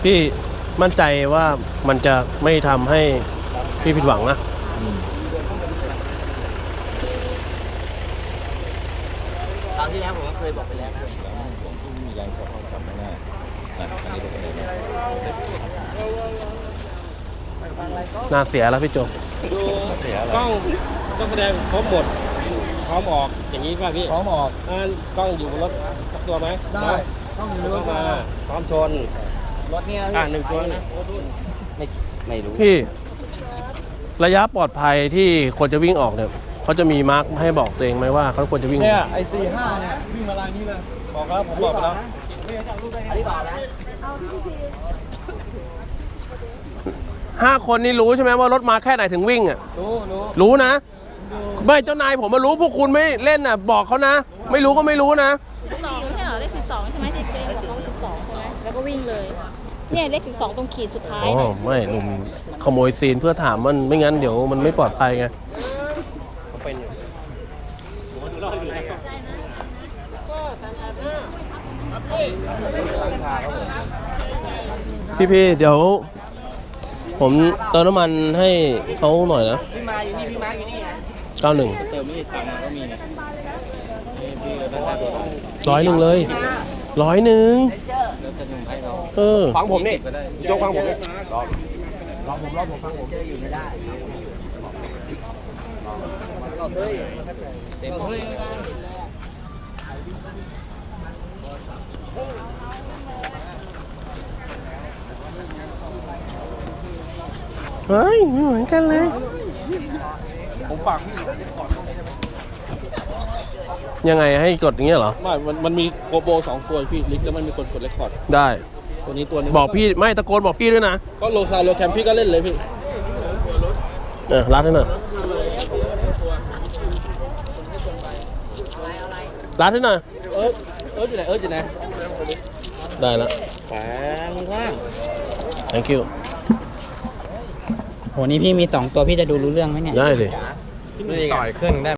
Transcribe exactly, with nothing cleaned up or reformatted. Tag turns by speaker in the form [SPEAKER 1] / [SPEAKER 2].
[SPEAKER 1] พี่มั่นใจว่ามันจะไม่ทำให้พี่ผิดหวังนะ
[SPEAKER 2] คราวที่แล้วผมก็เคยบอกไปแล้วนะ
[SPEAKER 3] ผมที่มีแรงชักเข้ากับไม่น่าอันนี้เป็นยังไง
[SPEAKER 1] น่าเสียแล้วพี่โจ
[SPEAKER 4] ดูกล้องต้องแสดงพร้อมหมดพร้อมออกอย่างนี้ป่ะพี่
[SPEAKER 3] พร้อมออก
[SPEAKER 4] กล้องอยู่บนรถตัวไหม
[SPEAKER 3] ได้กล้องอยู่รถ
[SPEAKER 4] มาพร้อมชน
[SPEAKER 2] รถเนี่ย
[SPEAKER 4] อ่าหนึ่งตัวนะ
[SPEAKER 2] ไม่ไม่รู้
[SPEAKER 1] พี่ระยะปลอดภัยที่คนจะวิ่งออกเนี่ยเขาจะมีมาร์กให้บอกตัวเองไหมว่าเขาควรจะวิ่ง
[SPEAKER 3] เนี่ยไอซีห้าเนี่ยวิ่งมาลายนี้เลยบอกแล้วผมบอกแล้ว
[SPEAKER 2] อันนี้บอกนะ
[SPEAKER 1] ห้าคนนี่รู้ใช่ไหมว่ารถมาแค่ไหนถึงวิ่งอ่ะ
[SPEAKER 3] รู้รู้
[SPEAKER 1] รู้นะไม่เจ้านายผมมารู้พวกคุณไม่เล่นอ่ะบอกเขานะไม่รู้ก็ไม่รู้นะ
[SPEAKER 5] สองไม่ใช่เหรอเลขสิบสองใช่ไหมที่เจ๊บอกว่าสิบสองใช่ไหมแล้วก็วิ่งเลยเนี่ยเลขสิบสองตรงขีดสุดท้าย
[SPEAKER 1] อ๋อไม่หนุ่มขโมยซีนเพื่อถามมันไม่งั้นเดี๋ยวมันไม่ปลอดภัยไงเป็นอยู่พี่พี่เดี๋ยวผมเติมน้ำมันให้เขาหน่อยนะ
[SPEAKER 2] พี่มาอยู่นี่พี่มาอยู่นี่ไง
[SPEAKER 1] เก้าหนึ่ง
[SPEAKER 4] เติมนี่ตังค์ก็มีเนี่ย
[SPEAKER 1] ร้อยหนึ่งเลยร้อยหนึ่งเออ
[SPEAKER 3] ฟังผมนี่โจ๊กฟังผมนี่รอรอผมรอผมฟังผม
[SPEAKER 2] อยู่ไม่ได้เต็มเฮ้ย
[SPEAKER 1] เฮ้ยไม่เหมือนกันเลย
[SPEAKER 3] ผมฝากพี่
[SPEAKER 1] ยังไงให้กดอย่างเงี้ยเหรอ
[SPEAKER 4] ไม่มันมันมีโกโบสองตัวพี่ลิกแล้วมันมีคนกดเรคคอร์ด
[SPEAKER 1] ได้
[SPEAKER 4] ตัวนี้ตัวนึง
[SPEAKER 1] บอกพี่ไม่ตะโกนบอกพี่ด้วยนะ
[SPEAKER 4] ก็โลซาโลแคมพี่ก็เล่นเลยพี่
[SPEAKER 1] เออรัดให้หน่อยรัดให้หน่อย
[SPEAKER 4] เออเอออยู่ไหนเอออยู่ไหน
[SPEAKER 1] ได้แล้ว
[SPEAKER 4] แปงว่าง
[SPEAKER 1] thank you
[SPEAKER 2] โหนี่พี่มีสองตัวพี่จะดูรู้เรื่องไหมเนี่ย
[SPEAKER 1] ได้เลย
[SPEAKER 3] ต่อยเครื่องได้